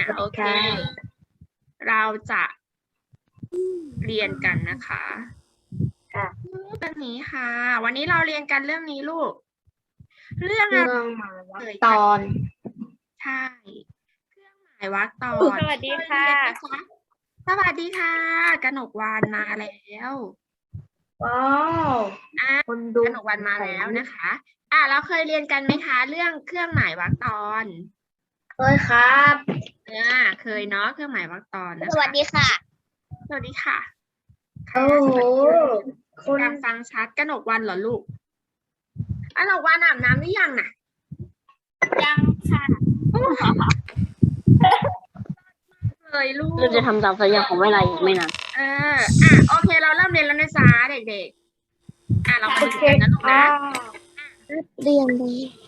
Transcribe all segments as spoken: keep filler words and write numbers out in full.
โอเค เราจะเรียนกันนะคะค่ะเรื่องนี้ค่ะ วันนี้เราเรียนกันเรื่องนี้ลูก เรื่องอะเรื่ไรองหมายวักเอ่ยตอนใช่ เครื่องหมายวรรคตอนสวัสดีค่ะเคยเรียนไหมคะสวัสดีค่ะ กนกวรรณมาแล้วว้าวอ่ะคนดูกนกวรรณมาแล้วนะคะ อ่ะเราเคยเรียนกันไหมคะ เรื่องเครื่องหมายวรรคตอนเคยครับอ่าเคยเนาะเครื่องหมายวรรคตอนนะคะสวัสดีค่ะสวัสดีค่ะโอ้โหพยายามฟังชัดกนกวรรณเหรอลูกกนกวรรณอาบน้ำหรือยังน่ะยังค่ะเลยลูกเราจะทำตามสัญญาของเวลาอีกไม่นานเอออ่ะโอเคเราเริ่มเรียนแล้วนะจ๊ะเด็กๆอ่ะเรามาดูกันนะลูกนะเรียนเลย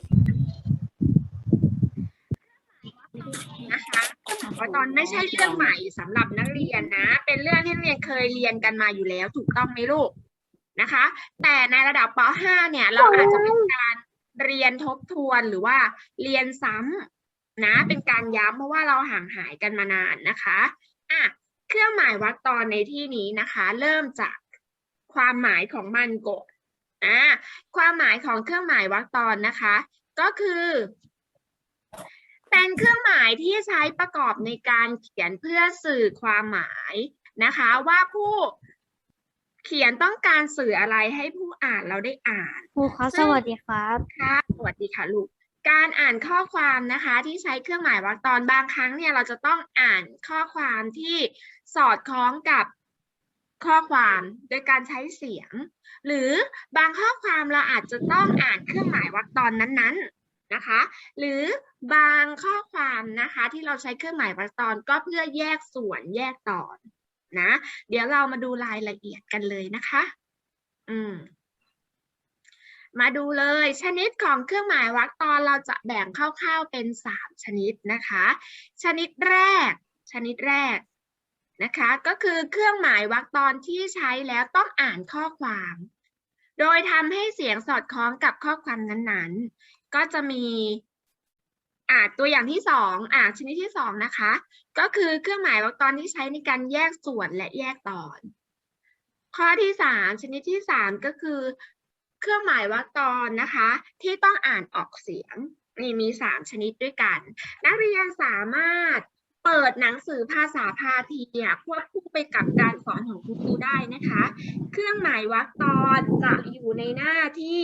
นะคะว่าตอนไม่ใช่เรื่องใหม่สำหรับนักเรียนนะ เป็นเรื่องที่นักเรียนเคยเรียนกันมาอยู่แล้วถูกต้องไหมลูกนะคะ แต่ในระดับป ห้า เนี่ยเราอาจจะเป็นการเรียนทบทวนหรือว่าเรียนซ้ำนะเป็นการย้ำเพราะว่าเราห่างหายกันมานานนะคะอ่ะเครื่องหมายวรรคตอนในที่นี้นะคะ เริ่มจากความหมายของมันก่อนอ่ะความหมายของเครื่องหมายวรรคตอนนะคะ ก็คือเป็นเครื่องหมายที่ใช้ประกอบในการเขียนเพื่อสื่อความหมายนะคะว่าผู้เขียนต้องการสื่ออะไรให้ผู้อ่านเราได้อ่านครูครับสวัสดีครับค่ะสวัสดีค่ะลูกการอ่านข้อความนะคะที่ใช้เครื่องหมายวรรคตอนบางครั้งเนี่ยเราจะต้องอ่านข้อความที่สอดคล้องกับข้อความโดยการใช้เสียง หรือบางข้อความเราอาจจะต้องอ่านเครื่องหมายวรรคตอนนั้นๆนะคะ หรือบางข้อความนะคะที่เราใช้เครื่องหมายวรรคตอนก็เพื่อแยกส่วนแยกตอนนะเดี๋ยวเรามาดูรายละเอียดกันเลยนะคะอืมมาดูเลยชนิดของเครื่องหมายวรรคตอนเราจะแบ่งคร่าวๆเป็นสามชนิดนะคะชนิดแรกชนิดแรกนะคะก็คือเครื่องหมายวรรคตอนที่ใช้แล้วต้องอ่านข้อความโดยทำให้เสียงสอดคล้องกับข้อความนั้นๆก็จะมีอ่าตัวอย่างที่สองอ่าชนิดที่สองนะคะก็คือเครื่องหมายวรรคตอนที่ใช้ในการแยกส่วนและแยกตอนข้อที่สามชนิดที่สามก็คือเครื่องหมายวรรคตอนนะคะที่ต้องอ่านออกเสียงนี่มีสามชนิดด้วยกันนักเรียนสามารถเปิดหนังสือภาษาพาทีเนี่ยควบคู่ไปกับการสอนของคุณครูได้นะคะเครื่องหมายวรรคตอนจะอยู่ในหน้าที่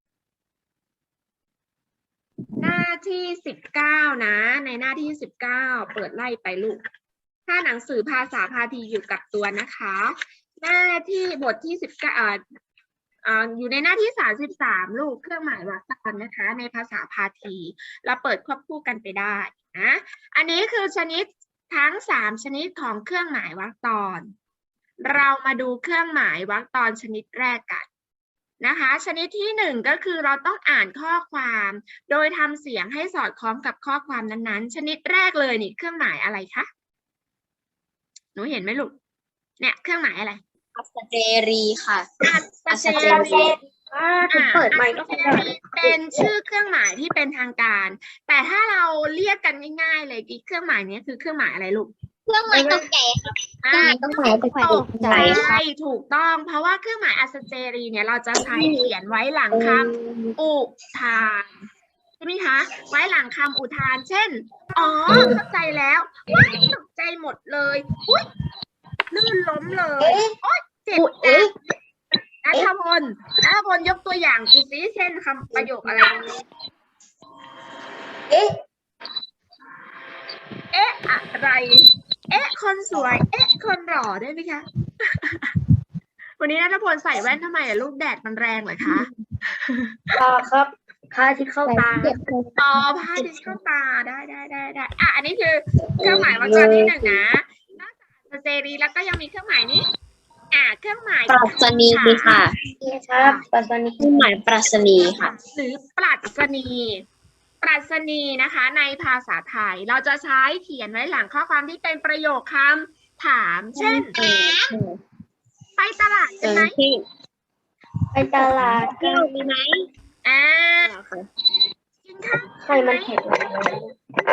หน้าที่สิบเก้านะในหน้าที่สิบเก้าเปิดไล่ไปลูกถ้าหนังสือภาษาพาทีอยู่กับตัวนะคะหน้าที่บทที่สิบเก้าอ่าอยู่ในหน้าที่สามสิบสามลูกเครื่องหมายวรรคตอนนะคะในภาษาพาทีเราเปิดควบคู่กันไปได้นะอันนี้คือชนิดทั้งสามชนิดของเครื่องหมายวรรคตอนเรามาดูเครื่องหมายวรรคตอนชนิดแรกกันนะคะชนิดที่หนึ่งก็คือเราต้องอ่านข้อความโดยทำเสียงให้สอดคล้องกับข้อความนั้นๆชนิดแรกเลยนี่เครื่องหมายอะไรคะหนูเห็นไหมลูกเนี่ยเครื่องหมายอะไรอัสเจรีค่ะอัสเจรีอ่าถึงเปิดไมค์ก็อัสเจรีเป็นชื่อเครื่องหมายที่เป็นทางการ แต่ถ้าเราเรียกกันง่ายๆเลยเครื่องหมายนี้คือเครื่องหมายอะไรลูกเครื่องหมายตกใจเครื่องหมายตกใจตกใจใช่ถูกต้องเพราะว่าเครื่องหมายอัสเจรีเนี่ยเราจะใช้เขียนไว้หลังคำอุทานใช่ไหมคะไว้หลังคำอุทานเช่นอ๋อเข้าใจแล้วว้ายตกใจหมดเลยอุ๊ยลื่นล้มเลยโอ๊ยเจ็บนะนัทพลนัทพลยกตัวอย่างดูสิเช่นคำประโยคอะไรเอ๊ะเอ๊ะอะไรเอ๊ะคนสวยเอ๊ะคนหล่อได้ไหมคะวันนี้นัทพลใส่แว่นทำไมอะลูกแดดมันแรงเหรอคะต่อครับพาที่เข้าตาอ๋อผ้าดิเข้าตาได้ได้ได้ได้อ่ะอันนี้คือเครื่องหมายวรรคตอนที่หนึ่งนะนอกจากอัสเจรีแล้วก็ยังมีเครื่องหมายนี้อ่ะเครื่องหมายปรัชนีค่ะครับปรัชนีเครื่องหมายปรัชนีค่ะหรือปรัชนีปรัชนีนะคะในภาษาไทยเราจะใช้เขียนไว้หลังข้อความที่เป็นประโยคคำถามเช่นไปตลาดกันไหมไปตลาดกันไหมอ่ากินข้าวใครมันแข็ง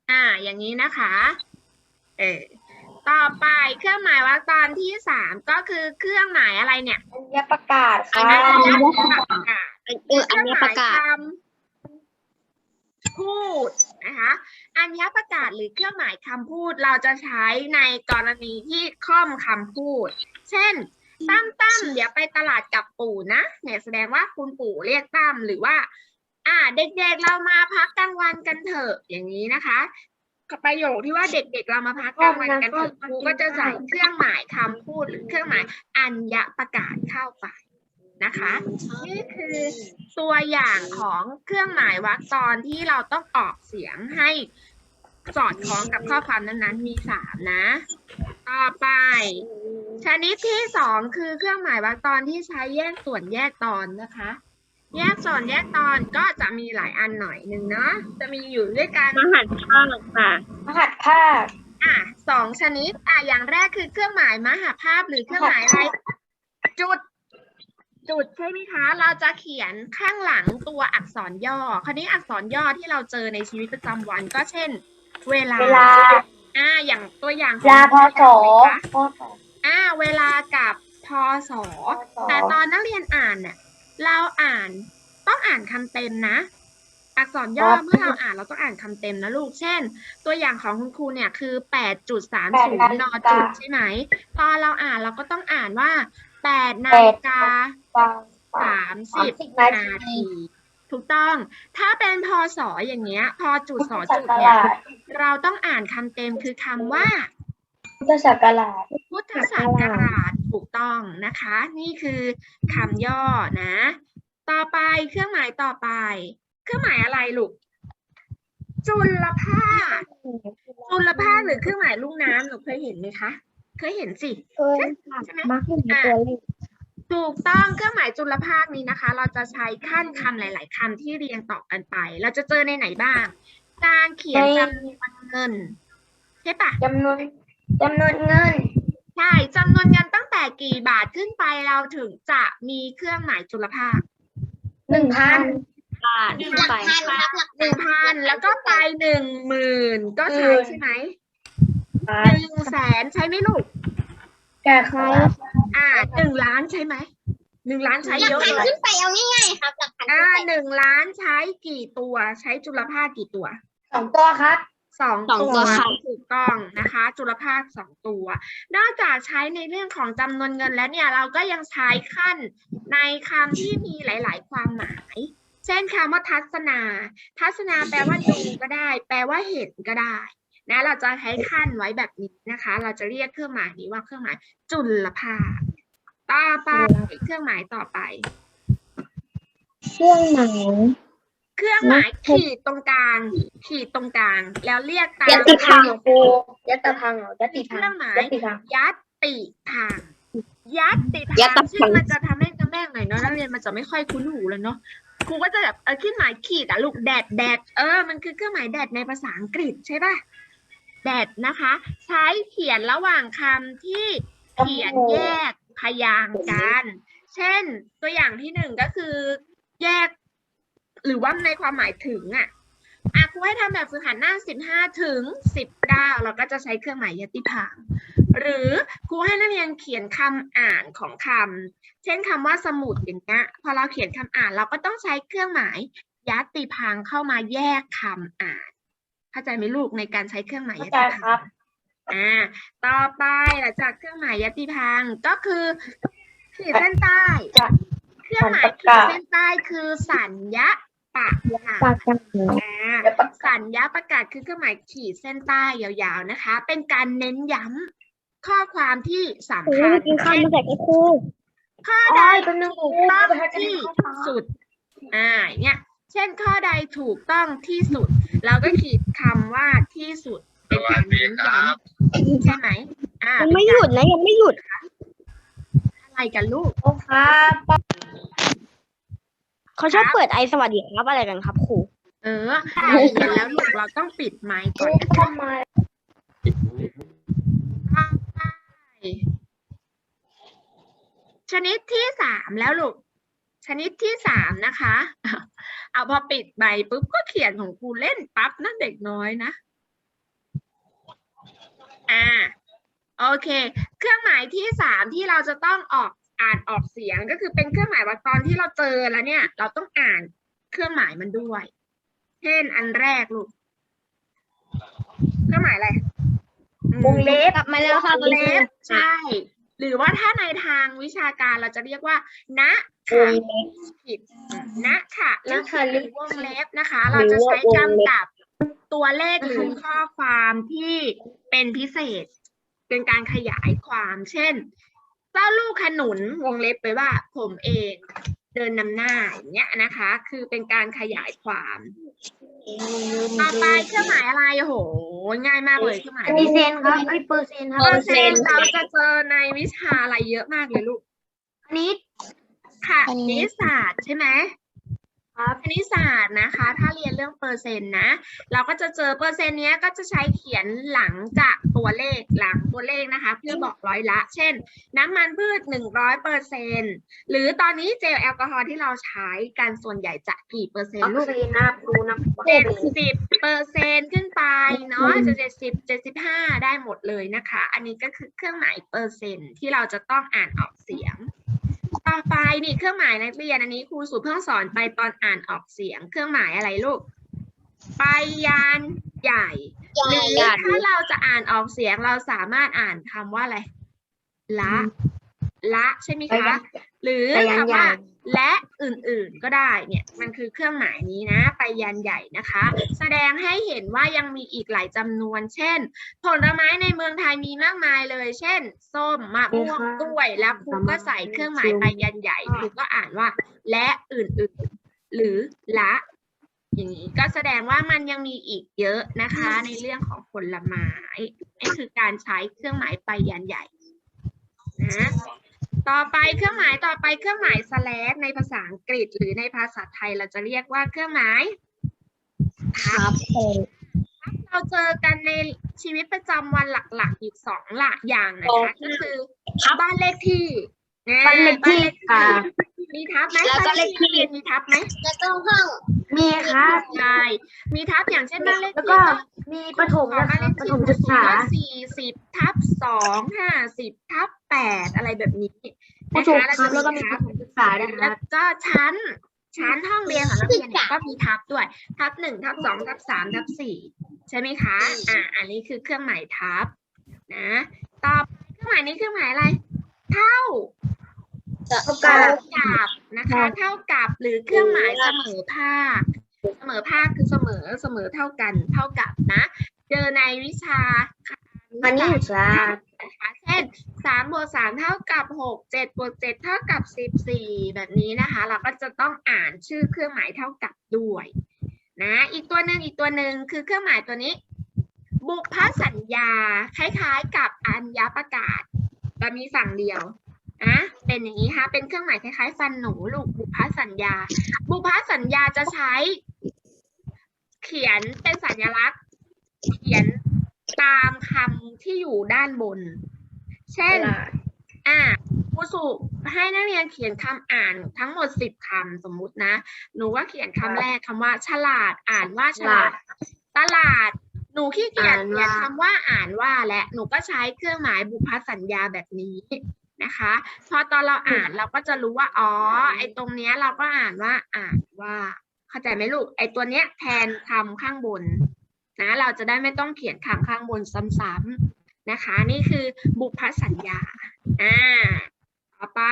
อ่า อย่างนี้นะคะ เออ ต่อไปเครื่องหมายวรรคตอนที่สามก็คือเครื่องหมายอะไรเนี่ยอัญญประกาศค่ะอัญญประกาศเอออันนี้ประกาศเครื่องหมายคำพูดนะคะ อัญญประกาศหรือเครื่องหมายคำพูดเราจะใช้ในกรณีที่ค่อมคำพูด เช่น ตั้มตั้มเดี๋ยวไปตลาดกับปู่นะเนี่ยแสดงว่าคุณปู่เรียกตั้มหรือว่า อ่า เด็กๆเรามาพักกลางวันกันเถอะอย่างนี้นะคะประโยคที่ว่าเด็กๆเรามาพักกลางวันกันเถอะครูก็จะใส่เครื่องหมายคำพูดหรือเครื่องหมายอัญญประกาศเข้าไปนะคะ นี่คือตัวอย่างของเครื่องหมายวรรคตอนที่เราต้องออกเสียงให้สอดคล้องกับข้อความนั้นๆมีสามนะ ต่อไป ชนิดที่สองคือเครื่องหมายวรรคตอนที่ใช้แยกส่วนแยกตอนนะคะ แยกส่วนแยกตอนก็จะมีหลายอันหน่อยหนึ่งเนาะจะมีอยู่ด้วยกันมหันต์ภาคค่ะมหัดภาคอ่ะสองชนิดอ่ะอย่างแรกคือเครื่องหมายมหาภาพหรือเครื่องหมายอะไร จุด จุดใช่ไหมคะ เราจะเขียนข้างหลังตัวอักษรย่อ คราวนี้อักษรย่อที่เราเจอในชีวิตประจำวันก็เช่น เวลาเวลาอ่าอย่างตัวอย่างขลาองพศนะคะพศอ่าเวลากับพศ แต่ตอนนักเรียนอ่านเนี่ยเราอ่านต้องอ่านคำเต็มนะ อักษรย่อเมื่อเราอ่านเราต้องอ่านคำเต็มนะลูก เช่น ตัวอย่างของคุณครูเนี่ยคือ แปดจุดสามศูนย์ นจุดใช่ไหม ตอนเราอ่านเราก็ต้องอ่านว่า แปดนาฬิกา สามสิบนาที ถูกต้อง ถ้าเป็นพศอย่างเงี้ย พอจุดสอจุดเนี่ย เราต้องอ่านคำเต็มคือคำว่าพุทธศักราชพุทธศักราชถูกต้องนะคะ นี่คือคำย่อนะ ต่อไปเครื่องหมายต่อไป เครื่องหมายอะไรลูก จุลภาค จุลภาคหรือเครื่องหมายลูกน้ำหนูเคยเห็นไหมคะ เคยเห็นสิเคยใช่ไหมมักอยู่ในตัวเลขถูกต้องเครื่องหมายจุลภาคนี้นะคะ เราจะใช้ขั้นคำหลาย ๆคำที่เรียงต่อกันไป เราจะเจอในไหนบ้าง การเขียนจำนวนเงินใช่ปะจำนวนจำนวนเงินใช่จำนวนเงินตั้งแต่กี่บาทขึ้นไปเราถึงจะมีเครื่องหมายจุลภาคหนึ่งพันบาทขึ้นไปหนึ่งพันแล้วก็ไปหนึ่งหมื่นก็ใช้ใช่ไหมหนึ่งแสนใช้ไหมลูกแก่ใครอ่าหนึ่งล้านใช่ไหมหนึ่งล้านใช้เยอะเลยขึ้นไปเอาง่ายๆครับหลักพันอ่าหนึ่งล้านใช้กี่ตัวใช้จุลภาคกี่ตัวสองตัวครับสองสองตัตัว วค่ะถูกต้องนะคะ จุลภาคสองตัว นอกจากใช้ในเรื่องของจำนวนเงินแล้วเนี่ยเราก็ยังใช้ขั้นในคำที่มีหลาย ๆ ความหมาย เช่นคำว่าทัศนา ทัศนาแปลว่าดูก็ได้ แปลว่าเห็นก็ได้นะเราจะใช้ขั้นไว้แบบนี้นะคะ เราจะเรียกเครื่องหมายนี้ว่าเครื่องหมายจุลภาค ต่อไปเครื่องหมายต่อไปเครื่องหมายเครื่องหมายขีดตรงกลาง ขีดตรงกลาง แล้วเรียกตามยัตติพังเหรอครูยัตติพังเหรอยัตติเคพังรื่องหมายยัตติพังยัตติทาง ยัตติยัทาตงติชื่พัอง มันจะทำให้กระแม่งหน่อยเนาะนักเรียนมันจะไม่ค่อยคุ้นหูแล้วเนาะครูก็จะแบบเออเครื่องหมายขีดอะลูกแดดแดดเออมันคือเครื่องหมายแดดในภาษาอังกฤษใช่ป่ะแดดนะคะ ใช้เขียนระหว่างคำที่เขียนแยกพยางค์กัน เช่น ตัวอย่างที่หนึ่งก็คือแยก หรือว่าในความหมายถึงอ่ะอ่ะครูให้ทำแบบฝึกหัดหน้าสิบห้าถึงสิบเก้าเราก็จะใช้เครื่องหมายยติพางค์หรือครูให้นักเรียนเขียนคำอ่านของคำเช่นคำว่าสมุดอย่างเงี้ยพอเราเขียนคำอ่านเราก็ต้องใช้เครื่องหมายยติพางค์เข้ามาแยกคำอ่านเข้าใจไหมลูกในการใช้เครื่องหมายยเข้าใจติครัพาบงค์อ่าต่อไปหลังจากเครื่องหมายยติพางค์ก็คือขีดเส้นใต้จะเครื่องหมายขีดเส้นใต้คือสัญญาปะกาปากศกันอ่าเดี๋ยวประกาศสัญญาประกาศคือเครื่องหมายขีดเส้นใต้ยาวๆนะคะ เป็นการเน้นย้ำข้อความที่สำคัญกินข้าวมาจากครูข้ออ๋ใดอเป็นหนึ่งถูกต้องที่สุด อ่า เนี่ย เช่นข้อใดถูกต้องที่สุด เราก็ขีดคำว่าที่สุดเป็นการเน้นย้ำใช่ไหมอ่ายังไม่หยุดนะยังไม่หยุดอะไรกันลูกโอ้ครับเขาชอบเปิดไอสวัสดีครับอะไรกันครับครูเออเราเรียนแล้วลูกเราต้องปิดไมค์ก่อนนะคะทำไมชนิดที่สามแล้วลูก ชนิดที่สามนะคะ เอาพอปิดใบปุ๊บก็เขียนของครูเล่นปั๊บนะเด็กน้อยนะอ่าโอเค เครื่องหมายที่สามที่เราจะต้องออกอ่านออกเสียงก็คือเป็นเครื่องหมายวรรคตอนที่เราเจอแล้วเนี่ย เราต้องอ่านเครื่องหมายมันด้วย เช่นอันแรกลูกเครื่องหมายอะไรอืมวงเล็บกลับมาแล้วค่ะวงเล็บใช่ หรือว่าถ้าในทางวิชาการเราจะเรียกว่าณวค่ะงเล็บผิดณค่ะณค่ะหรือวงเล็บนะคะหรืเราอจะใช้ว่าวงเล็บกำกับตัวเลขหรือข้อความที่เป็นพิเศษ เป็นการขยายความ เช่น เจ้าลูกขนุนวงเล็บไปว่า ผมเองเดินนำหน้าอย่างเงี้ยนะคะ คือเป็นการขยายความ ต่อไปเครื่องหมายอะไรโอ้โห ง่ายมากเลยเครื่องหมายอันนี้เซนครับไอ้เปอร์เซ็นต์ครับเปอร์เซ็นต์เราจะเจอในวิชาอะไรเยอะมากเลยลูกอันนี้ค่ะคณิตศาสตร์ใช่ไหมครับคณิตศาสตร์นะคะ ถ้าเรียนเรื่องเปอร์เซ็นต์นะ เราก็จะเจอเปอร์เซ็นต์เนี้ยก็จะใช้เขียนหลังจากตัวเลขหลังตัวเลขนะคะ เพื่อบอกร้อยละ เช่น น้ำมันพืชหนึ่งร้อยเปอร์เซ็นต์หรือตอนนี้เจลแอลกอฮอล์ที่เราใช้กันส่วนใหญ่จะกี่เปอร์เซ็นวัต์คลูกซีนนะครับดูนะเจ็ดสิบเปอร์เซ็นต์ขึ้นไปเนาะจะเจ็ดสิบเจ็ดสิบห้าได้หมดเลยนะคะ อันนี้ก็คือเครื่องหมายเปอร์เซ็นต์ที่เราจะต้องอ่านออกเสียง ต่อไปนี่เครื่องหมายนักเรียนอันนี้ครูสุเพิ่งสอนไปตอนอ่านออกเสียง เครื่องหมายอะไรลูกไปยันใหญ่หรือถ้าเราจะอ่านออกเสียงเราสามารถอ่านคำว่าอะไรละละใช่ไหมคะ หรือคำว่าและอื่นๆก็ได้เนี่ยมันคือเครื่องหมายนี้นะไปยันใหญ่นะคะ แสดงให้เห็นว่ายังมีอีกหลายจำนวน เช่น ผลไม้ในเมืองไทยมีมากมายเลย เช่น ส้มมะม่วงกล้วยแล้วครูก็ใส่เครื่องหมายไปยันใหญ่ครูก็อ่านว่าและอื่นๆหรือละอย่างนี้ก็แสดงว่ามันยังมีอีกเยอะนะคะ ในเรื่องของผลไม้นี่คือการใช้เครื่องหมายไปยันใหญ่นะต่อไปเครื่องหมายต่อไปเครื่องหมาย slash ในภาษาอังกฤษหรือในภาษาไทยเราจะเรียกว่าเครื่องหมายทับเราเจอกันในชีวิตประจำวันหลักๆอยู่สองหลักอย่างนะคะก็คือบ้านเลขที่บ้านเลขที่ค่ะมีทับไหมแล้วก็เลขที่บ้านมีทับไหมแล้วก็ห้องมีครับใช่มีทับอย่างเช่นบ้านเลขแล้วที่ก็ก็มีประถมนะครับประถมศึกษาสี่สิบทับสองห้าสิบทับแปดอะไรแบบนี้ประนะถมคะครับแล้วก็มีทัประถมศึกษาด้วยคแล้รัวบก็ชั้น ชั้นห้องเรียนของนักเรียนเนี่ยก็มีทับด้วย ทับหนึ่งทับสองทับสามทับสี่ใช่ไหมคะ อ่า อันนี้คือเครื่องหมายทับนะต่อไปเครื่องหมายนี้เครื่องหมายอะไร เท่าเท่าเท่ากับกับนะคะ เท่ากับหรือเครื่องหมายเสมอภาค เสมอภาคคือเสมอเสมอเท่ากันเท่ากับนะ เจอในวิชาอันนี้อยู่จ้านะคะเช่นสามบวกสามเท่ากับหกเจ็ดบวกเจ็ดเท่ากับสิบสี่แบบนี้นะคะ เราก็จะต้องอ่านชื่อเครื่องหมายเท่ากับด้วยนะอีกตัวหนึ่งอีกตัวหนึ่งคือเครื่องหมายตัวนี้ บุพสัญญาคล้ายๆกับอัญญประกาศแต่มีฝั่งเดียวนะเป็นอย่างนี้ค่ะเป็นเครื่องหมายคล้ายๆฟันหนูลูกบุพสัญญา บุพสัญญาจะใช้ เขียนเป็นสัญลักษณ์ เขียนตามคำที่อยู่ด้านบน เช่น อ่าครูสุให้นักเรียนเขียนคำอ่านทั้งหมดสิบคำสมมุตินะ หนูว่าเขียนคำแรกคำว่า ฉลาดอ่านว่าฉลาด ตลาด หนูขี้เกียจเขียนคำว่าอ่านว่าและหนูก็ใช้เครื่องหมายบุพสัญญาแบบนี้นะคะ พอตอนเราอ่านเราก็จะรู้ว่าอ๋อไอ้ตรงเนี้ยเราก็อ่านว่าอ่านว่าเข้าใจไหมลูกไอ้ตัวเนี้ยแทนคำข้างบนนะเราจะได้ไม่ต้องเขียนคำข้างบนซ้ำๆนะคะ นี่คือบุพสัญญาอ่าต่อไป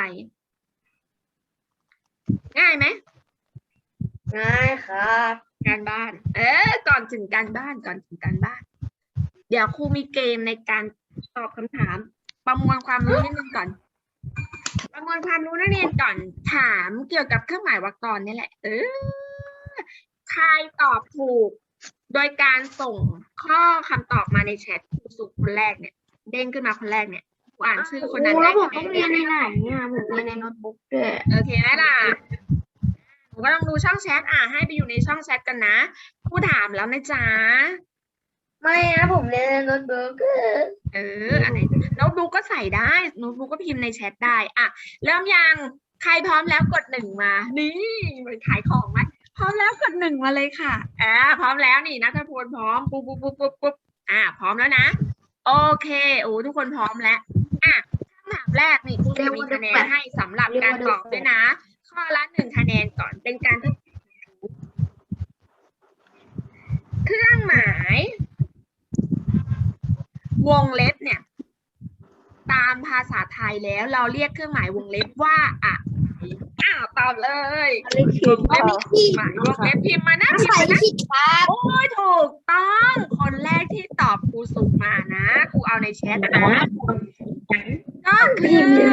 ง่ายไหมง่ายครับการบ้าน เออ ก่อนถึงการบ้าน ก่อนถึงการบ้าน เดี๋ยวครูมีเกมในการตอบคำถาม ประมวลความรู้นิดนึงก่อน ประมวลความรู้นักเรียนก่อน ถามเกี่ยวกับเครื่องหมายวรรคตอนนี่แหละ เออ ใครตอบถูก โดยการส่งข้อคำตอบมาในแชทครูสุคนแรกเนี่ย เด้งขึ้นมาคนแรกเนี่ยครูอ่านชื่อคนนั้นแล้ได้วผมต้องเรียนในไหนเนี่ยผมเรียนในโน้ตบุ๊กด้วยโอเคไหมล่ะหนูก็ต้องดูช่องแชทอ่าให้ไปอยู่ในช่องแชทกันนะครูถามแล้วนะจ๊ะไม่นะผมเรียนในโน้ตบุ๊กเอออะไรโน้ตบุ๊กก็ใส่ได้โน้ตบุ๊กก็พิมพ์ในแชทได้อ่ะเริ่มยังใครพร้อมแล้วกดหนึ่งมา นี่เหมือนขายของไหมพร้อมแล้วกดหนึ่งมาเลยค่ะอ่าพร้อมแล้วนี่นัทพลพร้อมปุ๊บปุ๊บปุ๊บปุ๊บปุ๊บอ่าพร้อมแล้วนะโอเคโอ้ทุกคนพร้อมแล้วอ่ะคำถามแรกนี่ครูจะมีคะแนนให้สำหรับการตอบด้วยนะ ข้อละหนึ่งคะแนนก่อนเป็นการทดสอบเครื่องหมาย วงเล็บเนี่ย ตามภาษาไทยแล้วเราเรียกเครื่องหมายวงเล็บว่าอะไรอ้าวตอบเลยวงเล็บหมายวงเล็บพิมพ์มานะพิมพ์มานะโอ้ยถูกต้องคนแรกที่ตอบครูสุมานะครูเอาในแชทนะก็คือ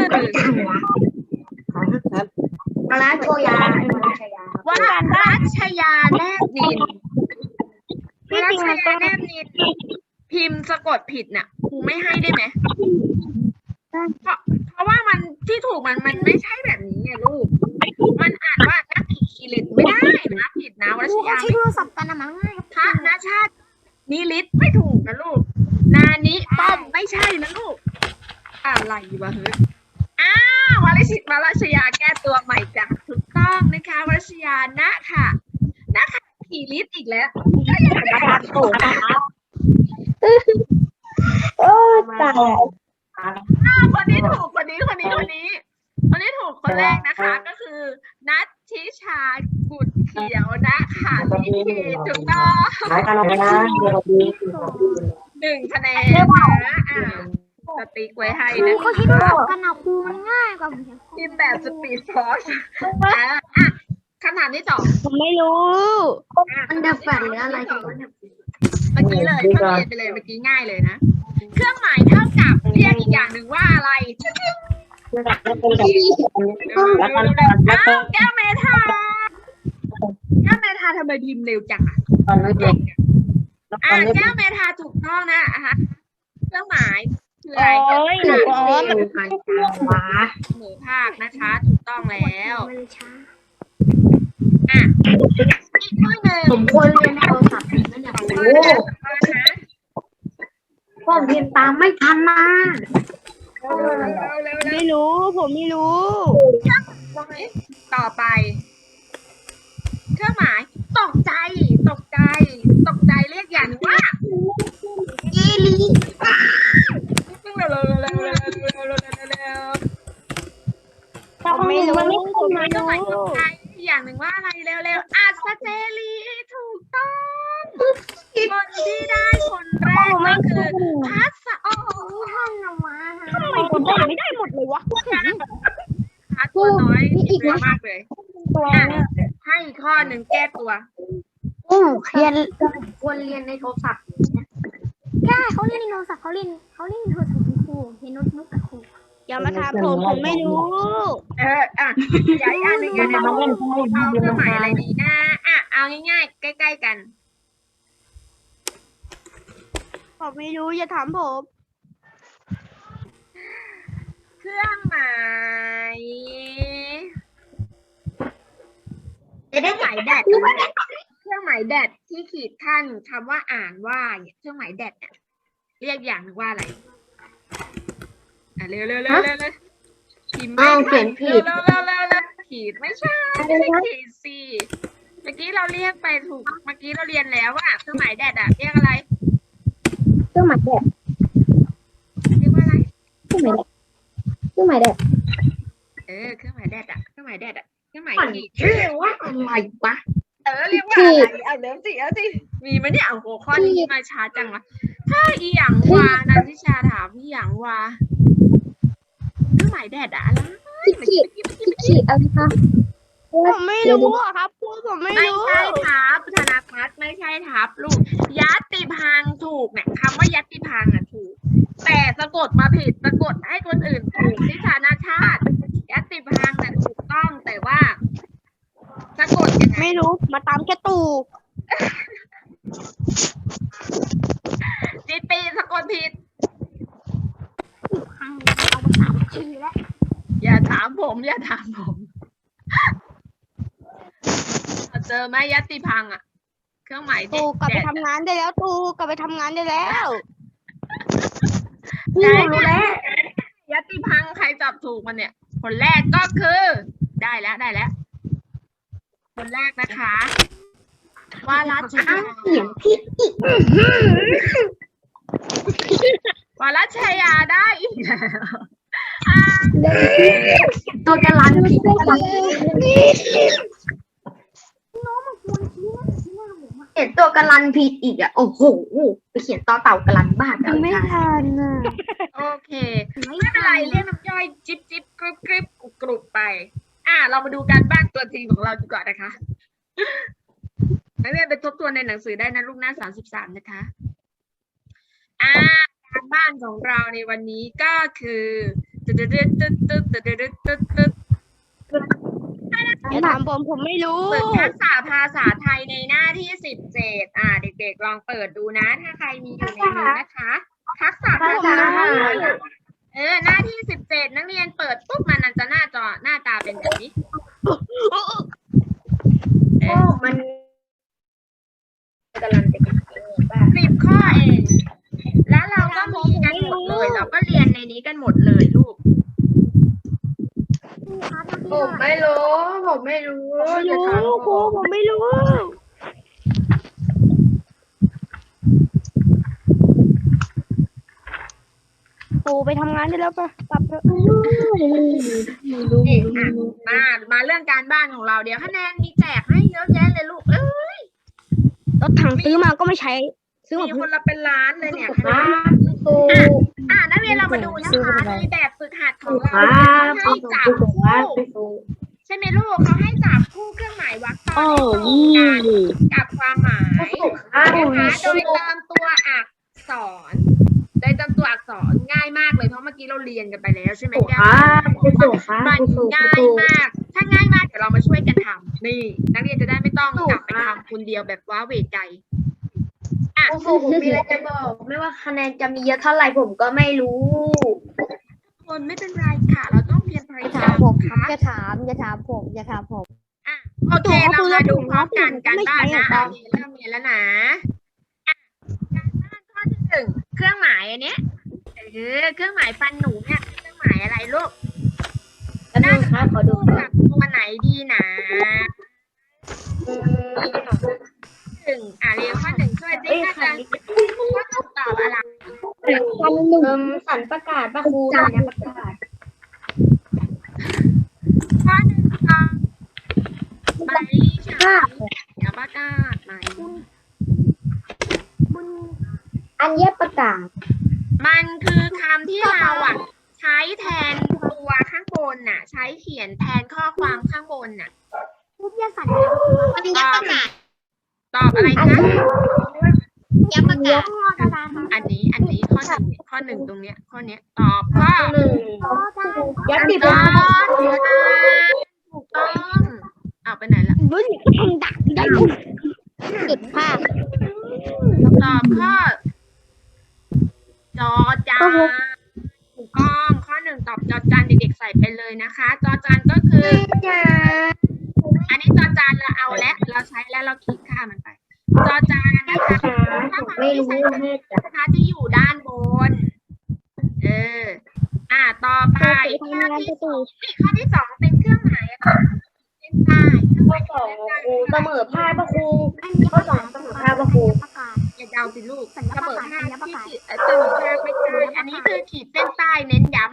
มาลาโชยามาลาชยาว่ารัชยาแนบนินรัชยาแนบนินพิมพ์สะกดผิดน่ะครูไม่ให้ได้ไหมเพราะเพราะว่ามันที่ถูกมันมันไม่ใช่แบบนี้ไงลูกมันอ่านว่านักขีคิริตไม่ได้นะผิดนะรัชยาใช้โทรศัพท์กันนะมั้งง่ายพระนาชาตินิลิตไม่ถูกนะลูกนานิป้อมไม่ใช่นะลูกอะไรวะเฮ้ยอ้าววรชิตวรชยาแก้ตัวใหม่จ้ะถูกต้องนะคะวรชยานะค่ะนะคะขีลิตอีกแล้วก็ยังไม่ได้ถูกนะคะโอ้ตายอ้าวคนนี้ถูกคนนี้คนนี้คนนี้คนนี้ถูกคนแรกนะคะ ก็คือนัทชิชากุดเขียวนะคะนี่คือถูกต้องหายกันแล้วนะหนึ่งคะแนนนะอ่าสติ๊กไว้ให้นะเขาใช้โทรศัพท์กันนะครูมันง่ายกว่าทีมแบบสปีดฟอร์สอ่ะอ่ะคำถามที่สองผมไม่รู้มันดับแฟลชหรืออะไรกันวะเนี่ยเมื่อกี้เลยเพิ่งเรียนไปเลยเมื่อกี้ง่ายเลยนะ เครื่องหมายเท่ากับเรียกอีกอย่างหนึ่งว่าอะไรอ้าวแก้วเมทาแก้วเมทาทำไมพิมพ์เร็วจังอ่ะอ่ะแก้วเมทาถูกต้องนะอ่ะเครื่องหมายคืออะไรโอ้ยหนูก็การจังหวะหมูภาคนะคะ ถูกต้องแล้วมันช้าอ่ะอีกข้อหนึ่งผมควรเรียนในโทรศัพท์นั่นแหละข้อโอ้นะข้อนะผมเรียนตามไม่ทันมาเร็วเร็วเร็วเร็วไม่รู้ ผมไม่รู้ต่อไป เครื่องหมายตกใจ ตกใจ ตกใจเรียกอย่างหนึ่งว่าอีลีเร็วเร็วเร็วเร็วเร็วเร็วเร็วเร็วเร็วผมไม่รู้ผมไม่เครื่องหมายตรู้กใจอย่างหนึ่งว่าอะไรเร็วเร็วอัศเจรีถูกต้องคนที่ได้คนแรกก็คือพัสโอห้องนมาทำไมผมได้ไม่ได้หมดเลยวะพัสตัวน้อยเร็วมากเลยตัวอ่ะเนี่ยให้อีกข้อหนึ่งแก้ตัวโอ้เรียนควรเรียนในโทรศัพท์ใช่เขาเรียนในโทรศัพท์เขาเรียนเขาเรียนในโทรศัพท์ครูเรียนโน้ตบุ๊กกับครูอย่ามาถามผมผมไม่รู้เอออ่ะย้ายอันหนึ่งอันหนึ่งเอาเครื่องหมายอะไรดีนะอ่ะเอาง่ายๆใกล้ๆกันผมไม่รู้อย่าถามผมเครื่องหมายเครื่องหมายแดดเครื่องหมายแดดที่ขีดขั้นคำว่าอ่านว่าเนี่ยเครื่องหมายแดดเนี่ยเรียกอย่างหนึ่งว่าอะไรอ่ะเร็วเร็วเร็วเร็วเร็วพิมพ์ไม่อ้าวทัเขียนผิดเร็วเร็วเร็วเร็วขีดไม่ใช่ไม่ใช่ขีดสิเมื่อกี้เราเรียกไปถูกเมื่อกี้เราเรียนแล้วว่าเครื่องหมายแดดอะเรียกอะไรเครื่องหมายแดดเรียกว่าอะไรเครื่องหมายแดดเครื่องหมายแดดเออเครื่องหมายแดดอะเครื่องหมายแดดอะเครื่องหมายมันขีดชื่อว่าอะไรวะเออเรียกว่าอะไรเอาเริ่มสิเอาสิมีไหมเนี่ยเอาหัวข้อนี้มาช้าจังวะถ้าอีหยังวานันทิชาถามอีหยังวาเครื่องหมายแดดอะอะไรขีดขีดขีดอะไรคะผมไม่รู้อะครับครูผมไม่ไม่รู้ใช่ทับธนาพัฒน์ไม่ใช่ทับลูกยัตติพังถูกเนี่ยคำว่ายัตติพังอะถูก แต่สะกดมาผิดสะกดให้คนอื่นถูกทิชานาชาติยัตติพังน่ะถูกต้องแต่ว่าสะกดยังไงไม่รู้มาตามแค่ตูจิตีสะกดผิดเอามาสามทีแล้วอย่าถามผม อย่าถามผม เจอไหมยัตติพังอ่ะ เครื่องหมายตูกลับไปทำงานได้แล้วตูกลับไปทำงานได้แล้วนี่รู้แล้วยัตติพังใครตอบถูกมันเนี่ย คนแรกก็คือ ได้แล้วได้แล้ว คนแรกนะคะว่ารัชอ้าวเขียนผิดอีกวรัชยาได้อีกแล้วอ่าตัวกระลันผิดเขียนตัวกระลันผิดอีกอ่ะโอ้โหไปเขียนต่อเต่ากระลันบ้ากันไม่ทันอ่ะโอเคไม่เป็นไรเรียกน้ำย่อยจิ๊บจิ๊บกรุบกริบกรุบกรุบไป อ่าเรามาดูการบ้านตัวจริงของเราดีกว่านะคะนักเรียนไปทบทวนในหนังสือได้นะลูกหน้าสามสิบสามนะคะอ่าการบ้านของเราในวันนี้ก็คือตึ๊ดตึ๊ดตึ๊ดตึ๊ดตึ๊ดตึ๊ดตึ๊ดตึ๊ดอย่าถามผมผมไม่รู้ฝึกทักษะภาษาไทยในหน้าที่สิบเจ็ดอ่าเด็กๆลองเปิดดูนะ ถ้าใครมีอยู่ในนี้นะคะ ทักษะภาษาไทยเออหน้าที่สิบเจ็ดนักเรียนเปิดปุ๊บมันจะหน้าจอหน้าตาเป็นแบบนี้เออมันกระลันเป็นยังไงบ้างสิบข้อเอง แล้วเราก็มีกันหมดเลยเราก็เรียนในนี้กันหมดเลยลูกผมไม่รู้ผมไม่รู้ไม่รู้ครูผมไม่รู้ครูไปทำงานได้แล้วปะกลับเถอะนี่อ่ะมามาเรื่องการบ้านของเราเดี๋ยวคะแนนมีแจกให้เยอะแยะเลยลูกเอ้ยรถถังซื้อมาก็ไม่ใช้ ซื้อมีมาคนละเป็นล้านเลยเนี่ยคคะแนรันบครูอ่ะนักเรียนเรามาดูนะคะในแบบฝึกหัดของเราครับให้จับครูคู่ครับครูใช่ไหมลูกเขาให้จับคู่เครื่องหมายวรรคตอนโอ้ที่ตรงยี่กันกับความหมายครับนะคะโดยเติมตัวอักษรโดยเติมตัวอักษรง่ายมากเลยเพราะเมื่อกี้เราเรียนกันไปแล้วใช่ไหมแก้คว รับครูครับมันครูง่ายมาก ถ้าง่ายมากเดี๋ยวเรามาช่วยกันทำนี่นักเรียนจะได้ไม่ต้องกลับไปทำคนเดียวแบบว้าเหวใจอ่ะครูผมมีอะไรจะบอก ไม่ว่าคะแนนจะมีเยอะเท่าไหร่ผมก็ไม่รู้คนไม่เป็นไรค่ะ เราต้องเพียรพยาถายาม มผมค่ะอย่าถามอย่าถามผมอย่าถามผมอ่ะโอเคเรามาดูพร้อมกันกันบ้านนะอ่ะเริ่มเรียนแล้วนะอ่ะการบ้านข้อที่หนึ่งเครื่องหมายอันเนี้ยเออเครื่องหมายฟันหนูเนี่ยเครื่องหมายอะไรลูกแล้วนึงครับขอดูพูดก่อจาน กตัวไหนดีนะอืมหนึ่งอ่ะเรียนข้อหนึ่งช่วยติ๊กนะจ๊ะว่าคำตอบอะไรเอิ่มสันประกาศป่ะครูสัญประกาศข้อหนึ่งค่ะใบฉายอย่าประกาศไหมอันเย็บประกาศมันคือคำที่เราอ่ะใช้แทนตัวข้างบนน่ะ ใช้เขียนแทนข้อความข้างบนน่ะพูดยาสันตอบตอบอะไรจ๊ะยับประกาศอันนี้อันนี้ข้อหนึ่งข้อหนึ่งตรงเนี้ย ข้อเนี้ยตอบข้อหนึ่งยัดติดถูกแล้ต้อวงถูกต้องเอาไปไหนละรู้สึกทำดักได้สุดภาพตอบข้อจอจานถูกต้องข้อหนึ่งตอบจอจานเด็กๆใส่ไปเลยนะคะ จอจานก็คือ อันนี้จอจานเราเอาแล้วเราใช้แล้วเราคิดค่ามันไป จอจานนะคะถ้าความไม่ที่รู้ใช้แม่จ๋านะคะที่อยู่ด้านบน เออ อ่า ต่อไปข้อที่สองนี่ข้อที่สองเป็นเครื่องหมายอะไรเส้นใต้เครื่องหข้อมายสองเส้นใต้ครูเสมอภาคป่ะครูข้อสองเสมอภาคป่ะครูประกาศอย่าเดาสิลูกสัญเสญามอประกาศภาคสัญญาประที่กาศขีดเอ่อเสมอภาคไม่ใช่อันนี้คือขีดเส้นใต้เน้นย้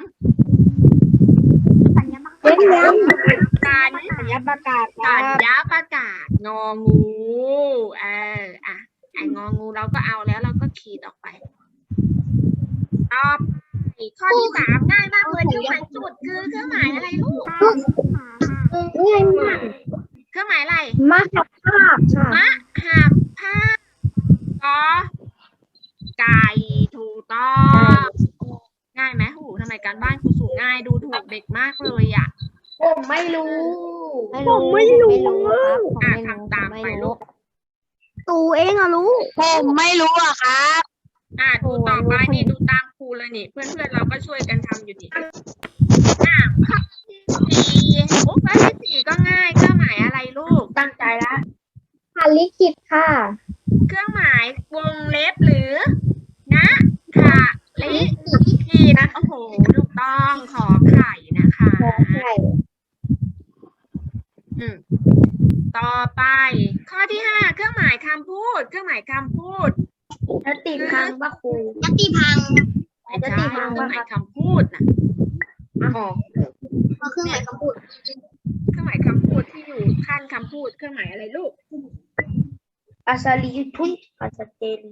สัญญาประกาศเน้นย้ำการสัญญาประกาศสัญญาประกาศงองูเอออ่ะไอ้งองูเราก็เอาแล้วเราก็ขีดออกไปต่อไปข้อที่สามง่ายมากเลยเครื่องหมายจุดคือเครื่องหมายอะไรลูกง่ายมากเครื่องหมายอะไรมากภาพค่ะมะหับผ้าก็ไก่ถูกต้องง่ายไหมหูทำไมการบ้านครูสูงง่ายดูถูกเด็กมากเลยอ่ะผมไม่รู้ผมไม่รู้ครับผมอ่ะไม่รู้ทำตามไปลูกตูเองอะรู้ ผมไม่รู้อะครับอ่ะดูต่อไปนี่ดูตามครูเลยนี่ เพื่อนๆเราก็ช่วยกันทำอยู่นี่อ่ะข้อที่สี่โอ้ข้อที่สี่ก็ง่ายเครื่องหมายอะไรลูกตั้งใจละค่ะลิขิตค่ะเครื่องหมายวงเล็บหรือนะค่ะลิขีดโอ้โหถูกต้องขอไข่นะคะใช่อืมต่อไป ข้อที่ห้าเครื่องหมายคำพูด เครื่องหมายคำพูดแล้วติดพังป่ะครูยัตติพังไม่ใเครื่องหมายคำพูดนะอ๋อเครื่องหมายคำพูดเครื่องหมายคำพูดที่อยู่ขั้นคำพูดเครื่องหมายอะไรลูกอาซาลีทุนอาซาเจลี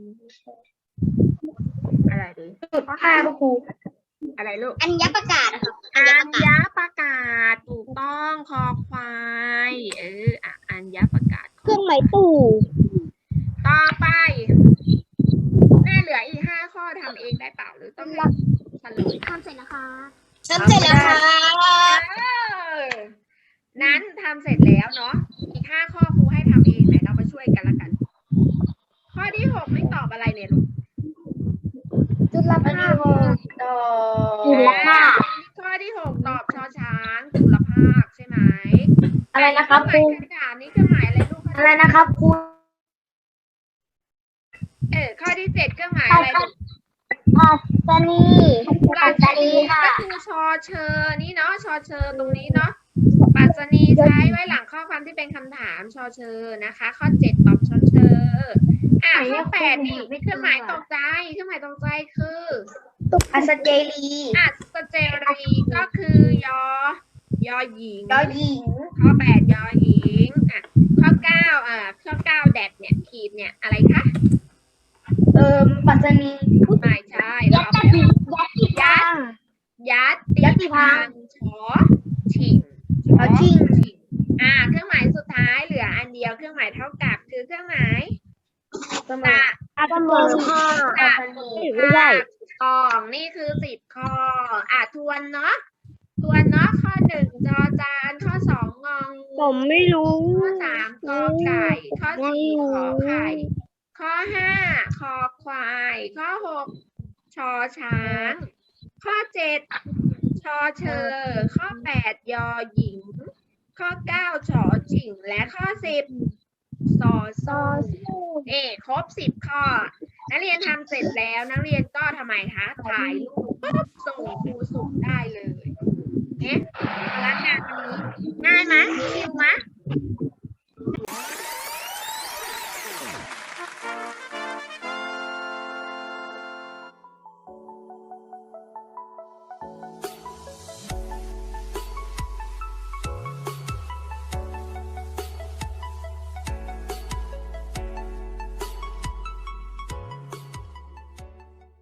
อะไรดีจุดห้าก็ครูอะไรลูกอัญญประกาศนะครับอัญญประกาศถูกต้องคอควายเอออ่ะอัญญประกาศเครื่องหมายตู่ต่อไปแม่เหลืออีกห้าข้อทำเองได้เปล่าหรือต้องให้เฉลยทำเสร็จนะคะทำเสร็จแล้วค่ะเออนั้นทำเสร็จแล้วเนาะอีกห้าข้อครูให้ทำเองไหนเรามาช่วยกันละกัน ข้อที่หกไม่ตอบอะไรเนี่ยลูกจุลอันภานี้คหกต่อจุลภาคข้อที่หกตอบชอช้างจุลภาคใช่ไหมอะไรนะครับเคครูรื่องหมายคำถามนี่เครื่องหมายอะไรลูกอะไรนะครับครูเออข้อที่เจ็ดเครื่องหมายอะไรลูกปัสสนีปรัชนีก็คือชอเชอนี่เนาะชอเชอตรงนี้เนาะปรัชนีใช้ไว้หลังข้อความที่เป็นคำถามชอเชอนะคะ ข้อเจ็ดตอบชอเชออ่ะข้อแปดนี่เครื่องหมายตกใจเครื่องหมายตกใจคืออาซาเจลีอ่ะสเจรีก็คือยอยอหญิงยอหญิงข้อแปดยอหญิงอ่ะข้อเก้าอ่ะข้อเก้าแดดเนี่ยขีดเนี่ยอะไรคะเอ่อปัสนีไม่ใช่เรายัตเอาติไปยัตติพังยัดยัตติพังชอชิงชอชิงอ่า เครื่องหมายสุดท้ายเหลืออันเดียวเครื่องหมายเท่ากับคือเครื่องหมายเสมตะอเสมอภาคตะไม่ได้กองนี่คือสิบข้ออ่ะทวนเนาะทวนเนาะข้อหนึ่งจอจานข้อสองงองูผมไม่รู้ข้อสามกอไก่ ข้อสี่ขอไข่ ข้อห้าคอควาย ข้อหกชอช้าง ข้อเจ็ดชอเชอ ข้อแปดยอหญิง ข้อเก้าชอจิ่ง และข้อสิบซอโซเอ่ครบสิบข้อ นักเรียนทำเสร็จแล้วนักเรียนก็ทำไมคะ ถ่ายรูปปุ๊บส่งครูสุขได้เลยเอ๊ะพลังงานวันนี้ง่ายไหมชิวไหม